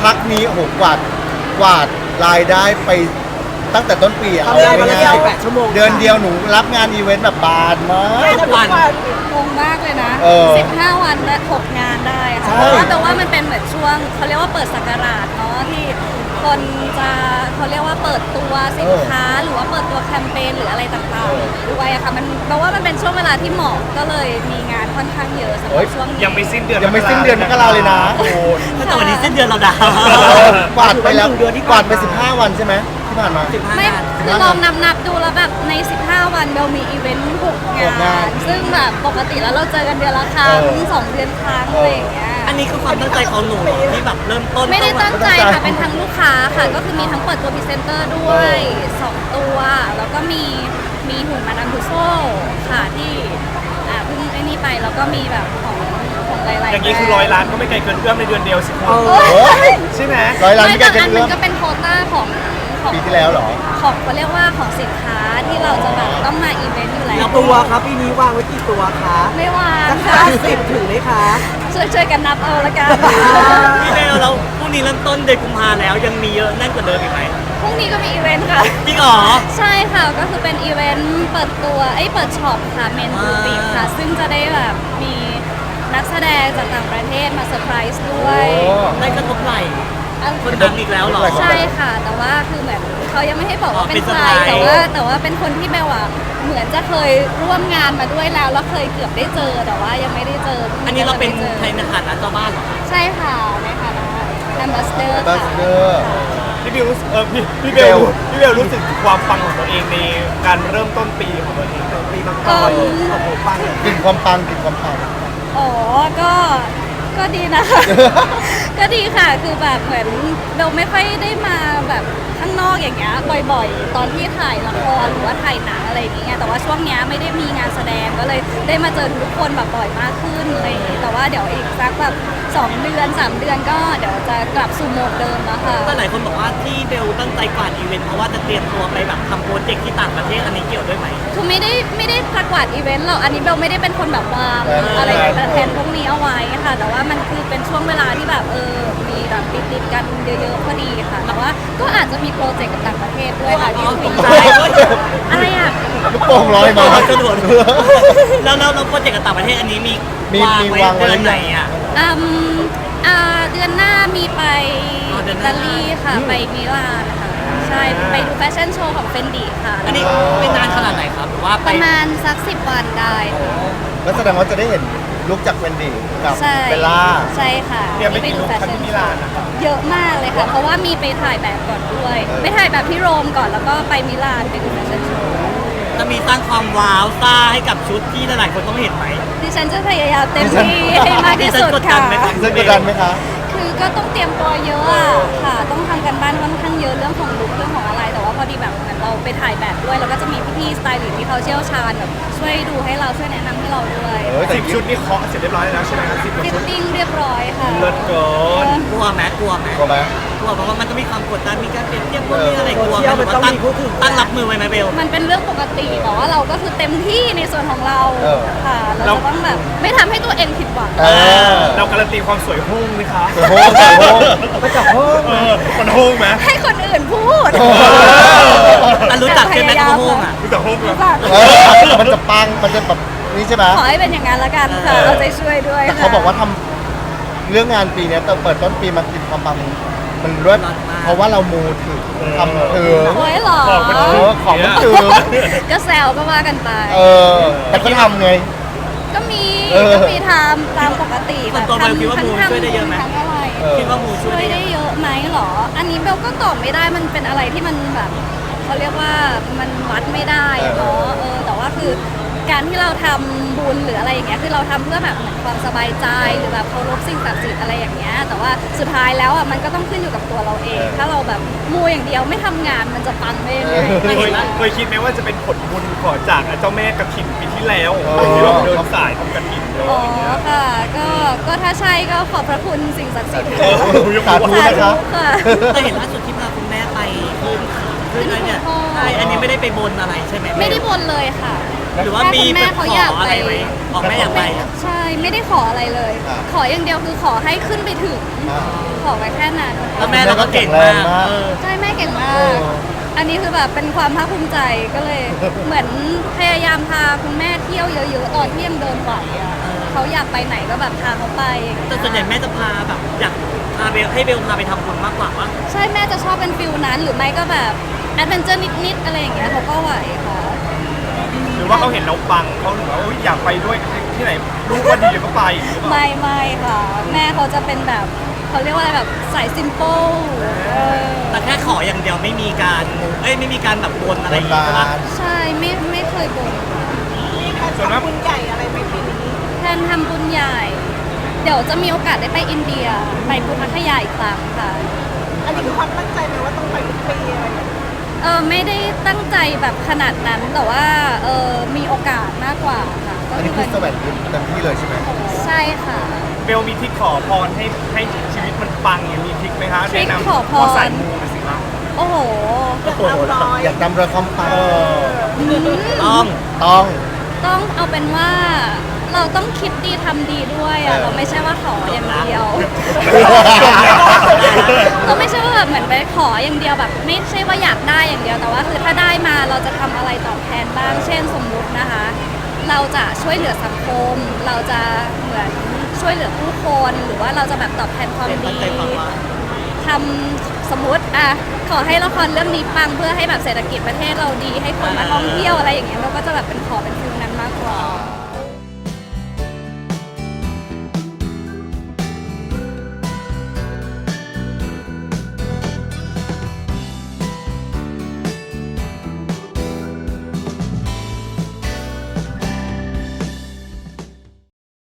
พักนี้โอ้โหกวาดรายได้ไปตั้งแต่ต้นปีอะเอาทำงานวันละง่าย 8 ชั่วโมงๆเดือนเดียวหนูรับงานอีเวนต์แบบบานมากทุกวันงงมากเลยนะเออ 15 วันและ6งานได้ค่ะใช่เพราะว่าแต่ว่ามันเป็นเหมือนช่วงเขาเรียกว่าเปิดศักราชเนาะที่คนจะเขาเรียกว่าเปิดตัวสินค้าหรือว่าเปิดตัวแคมเปญหรืออะไรต่างๆด้วยอะค่ะมันแปลว่ามันเป็นช่วงเวลาที่เหมาะก็เลยมีงานค่อนข้างเยอะสำหรับช่วงนี้ยังไม่สิ้นเดือนยังไม่สิ้นเดือนมกราเลยนะโอ้ยแต่วันนี้สิ้นเดือนเราดาวกวาดไปแล้ว 1 เดือนที่กวาดไป15 วันใช่ไหมที่ผ่านมาไม่คือลองนับดูแล้วแบบใน 15 วันเบลมีอีเวนต์6 หกงานซึ่งแบบปกติแล้วเราเจอกันเดือนละครั้งเออ 2 เดือนครั้งอะไรอย่างเงี้ยอันนี้คือความตั้งใจของหนูที่แบบเริ่มต้นไม่ได้ตั้งใจตั้งใจค่ะ เป็นทั้งลูกค้าค่ะ ก็คือมีทั้งเปิดตัวพรีเซนเตอร์ด้วย 2 ตัว แล้วก็มีหุ่นมาดามทูโซ่ค่ะที่เพิ่งไอ้นี่ไป แล้วก็มีแบบของหลายๆอย่างนี้คือแบรนด์ 100 ล้านก็ไม่ไกลเกินเอื้อมในเดือนเดียวสิคุณเอโอ้อยใช่ไหมร้อยล้านไม่ที่แต่แกจะอันเริ่มัมนก็เป็นโควต้าของปีที่แล้วเหรอของเขาเรียกว่าของสินค้าที่เราจะแบบต้องมาอีเวนต์อยู่แล้วแล้วตัวครับปีนี้วางไว้กี่ตัวคะไม่วางสักค่ะ 50ถึงไหมคะช่วยกันนับเอาละกันพี่เบลเราพรุ่งนี้เริ่มต้นเดือนกุมภาแล้วยังมีเยอะแน่นกว่าเดิมอีกไหมพรุ่งนี้ก็มีอีเวนต์ค่ะจริงเหรอใช่ค่ะ ก็คือเป็นอีเวนต์เปิดตัวเปิดช็อปค่ะเมนบูติกค่ะ ซึ่งจะได้แบบมีนักแสดงจากต่างประเทศมาเซอร์ไพรส์ด้วยโอ้ได้กระทบไหล่อ่ะคนดังอีกแล้วเหรอใช่ค่ะ แต่ว่าคือเหมือนเขายังไม่ให้บอกว่าเป็นใครเป็นเซอร์ไพรส์แต่ว่าเป็นคนที่แปลว่าเหมือนจะเคยร่วมงานมาด้วยแล้วเคยเกือบได้เจอแต่ว่ายังไม่ได้เจออัอันนี้เราเป็นใครในฐานะเจ้าบ้านเหรอใช่ค่ะในฐานะแอมบาสเดอร์ Ambassador พี่บิวรู้สึกพี่เบลรู้สึกถึงความปังของตัวเองในการเริ่มต้นปีของตัวเองปีมังกรโอ้โหปังกลิ่นความปังกลิ่นความปังอ๋อก็ดีนะคะ ก็ดีค่ะ คือแบบเหมือนเราไม่ค่อยได้มาแบบข้างนอกอย่างเงี้ยบ่อยๆ ตอนที่ถ่ายละครหรือว่าถ่ายหนังอะไรอย่างเงี้ย แต่ว่าช่วงเนี้ยไม่ได้มีงานแสดงก็เลยได้มาเจอทุกคนแบบบ่อยมากขึ้นอะไรอย่างเงี้ยแต่ว่าเดี๋ยวอีกสักแบบ2 เดือน 3 เดือนก็เดี๋ยวจะกลับสู่โหมดเดิมแล้วค่ะก็หลายคนบอกว่าที่เบลตั้งใจกวาดอีเวนต์เพราะว่าจะเตรียมตัวไปแบบทำโปรเจกต์ที่ต่างประเทศอันนี้เกี่ยวด้วยไหมคือไม่ได้ประกวดอีเวนต์หรอก อันนี้เบลไม่ได้เป็นคนแบบวางอะไรแทนพวกนี้เอาไว้ค่ะ แต่ว่ามันคือเป็นช่วงเวลาที่แบบมีแบบติดกันเยอะๆพอดีค่ะ แต่ว่าก็อาจจะมีโปรเจกต์กับต่างประเทศด้วยค่ะที่คุยใจอะไรอ่ะลูกโป่งลอยมากระโดดแล้วโปรเจกต์กับต่างประเทศอันนี้มีมีวางไว้วางไว้เดือนไหนอ่ะอืมเดือนหน้ามีไปอ๋อเดือิอนหตาน้าลีค่ะ ไปมิลานค่ะ ใช่ ไปดูแฟชั่นโชว์ของเฟนดีค่ะอันนี้เป็นนานขนาดไหนครับหรือว่าปไประมาณสัก10 วันได้ค่ะแล้วแสดงว่าจะได้เห็นลุกจากเวนดี้กับใช่เบลล่าใช่ค่ะเตรียมไปกี่ลูกคันที่มิลานนะครับเยอะมากเลยค่ะ เพราะว่ามีไปถ่ายแบบก่อนด้วย ไปถ่ายแบบที่โรมก่อนแล้วก็ไปมิลานไปดูแฟชั่นโชว์จะมีสร้างความว้าวซ่าให้กับชุดที่หลายๆคนต้องเห็นไหมดิฉันจะพยายามเต็มที่ให้มากที่สุดดิฉันกดดัค่ะนไหมคะซึ่งกดดันไหมคะคือก็ต้องเตรียมตัวเยอะอะค่ะ ต้องทำกันบ้านค่อนข้างเยอะเรื่องของลุคเรื่องของอะไร แต่ว่าพอดีแบบเหมือนเราไปถ่ายแบบด้วย แล้วก็จะมีพี่ๆสไตลิสต์ที่เขาเชี่ยวชาญแบบช่วยดูให้เราช่วยแนะนำให้เราด้วยเออแต่ 10 ชุดนี่เคาะเสร็จเรียบร้อยแล้วใช่ไหมครับ10 ฟิตชุดติ้งเรียบร้อยค่ะเลิศเกินกลัวไหมกลัวไหมกลัวไหมกลัวเพราะว่ามันต้องมีความกดดันมีการเปรียบเทียบพวกนี้อะไรเออกลัวไหมหรือว่าตั้งรับมือไว้ไหมเบลมันเป็นเรื่องปกติแต่ว่าเราก็คือเต็มที่ในส่วนของเราเออค่ะ เราจะต้องแบบไม่ทำให้ตัวเองผิดหวังเออเราการันตีความสวยหุ่งไหมคะโอ้โหโอ้โหมาจากห้องมันหุ่งไหมให้คนอื่นพูดโอ้อันรู้จักใช่ไหมโกโฮงอ่ะรู้จักหุ่งไหมรู้จักเออมันจะปังมันจะแบบนี่ใช่ไหมขอให้เป็นอย่างนั้นละกันค่ะ เอาใจช่วยด้วยแต่ค่ะเขาบอกว่าทำเรื่องงานปีเนี้ยเปิดต้นปีมากลิ่นความปังมันเลิศเพราะว่าเรามูถึงทำถึงโอ้ยเหรอของมันเอถึงอของมันถึงก็แซวก็ว่ากันไปเออแต่ก็ทำไงก็มีเออก็มีทำตามปกติส่วนตัวเบลคิดว่ามูลช่วยได้เยอะไหมทั้งอะไรเออคิดว่ามูช่ช่ววย ยได้ได้เยอะไหมเหรอ อันนี้เบลก็ตอบไม่ได้มันเป็นอะไรที่มันแบบเขาเรียกว่ามันวัดไม่ได้อะเนาะแต่ว่าคือการที่เราทำบุญหรืออะไรอย่างเงี้ยคือเราทำเพื่อแบบเหมือนความสบายใจหรือแบบเคารพสิ่งศักดิ์สิทธิ์อะไรอย่างเงี้ยแต่ว่าสุดท้ายแล้วอ่ะมันก็ต้องขึ้นอยู่กับตัวเราเอง ถ้าเราแบบมูอย่างเดียวไม่ทำงานมันจะปังได้ยังไงเคยคิดไหมว่าจะเป็นผลบุญขอจากเจ้าแม่กระถิ่นปีที่แล้วเออที่เราเดินสายทำกระถิ่นเลยอ๋อค่ะก็ถ้าใช่ก็ขอบพระคุณสิ่งศักดิ์สิทธิ์เออสาธุสานะธุคะค่ะแต่เห็นล่าสุดที่พาคุณแม่ไปขึ้นอะไรเนี่ยขึ้นภูใช่อันนี้ไม่ได้ไปบนอะไรใช่ไหมไม่ได้บนเลยค่ะหรือว่ามีแม่แบบเขาขอยากออะไรไปไหมออกแม่อยากไปใช่ไม่ได้ขออะไรเลย ขออย่างเดียวคือขอให้ขึ้นไปถึงอ่าขอไว้แค่นั้นแล้วแม่เราก็เก่งมากเออใช่แม่เก่งมาเอก ออันนี้คือแบบเป็นความภาคภูมิใจก็เลย เหมือนพยายามพาคุณแม่เที่ยวเยอะๆตอนที่ยังเดินไหวอ่ะเขาอยากไปไหนก็แบบพาเขาไปแต่ส่วนใหญ่แม่จะพาแบบอยากพาเบลให้เบลพาไปทำบุญมากกว่าว่าใช่แม่จะชอบเป็นฟิลนั้นหรือไม่ก็แบบแอดเวนเจอร์นิดๆอะไรอย่างเงี้ยเขาก็ไหวค่ะหรือว่าเขาเห็นเราปังเขาถึงว่าอุ๊ยอยากไปด้วยที่ไหนลูกว่าดีก็ไปหรือเปล่าไม่ค่ะ แม่เขาจะเป็นแบบเขาเรียกว่าอะไรแบบสายซิมเปิลแต่แค่ขออย่างเดียวไม่มีการไม่มีการแบบบนอะไรบอน ย่างบางี้ใช่ปะนใช่ไม่เคยบ่นส่วนมากแทนทำบุญใหญ่ เดี๋ยวจะมีโอกาสได้ไปอินเดียไปพุทธคยาอีกครั้งค่ะอันนี้คือความตั้งใจไหมว่าต้องไปทุกปีอะไรอย่างเงี้ยไม่ได้ตั้งใจแบบขนาดนั้นแต่ว่ามีโอกาสมากกว่าค่ะก็อันนี้คือแสวงบุญเต็มที่เลยใช่ไหมใช่ค่ะเบลมีทริคขอพรให้ชีวิตมันปังอย่างมีทริคไหมคะทริคแนะนำขอพรพอสายมูไปสิคะโอ้โหโอ้โหอยากนำเรือความปังต้องต้องต้องเอาเป็นว่าเราต้องคิดดีทำดีด้วยอ่ะเราไม่ใช่ว่าขออย่างเดียว เราไม่ใช่ว่าแบบเหมือนไปขออย่างเดียวแบบ ไม่ใช่ว่าอยากได้อย่างเดียวแต่ว่าคือถ้าได้มาเราจะทำอะไรตอบแทนบ้าง เช่นสมมุตินะคะ เราจะช่วยเหลือสังคม เราจะเหมือนช่วยเหลือผู้คนหรือว่าเราจะแบบตอบแทนความเป็นตั้ดีงใจฟังว่าทำสมมติอ่ะขอให้ละครเรื่องนี้ปังเพื่อให้แบบเศรษฐกิจประเทศเราดีให้คนมาท่องเที่ยวอะไรอย่างเงี้ยเราก็จะแบบเป็นขอเป็นฟิลนั้นมากกว่า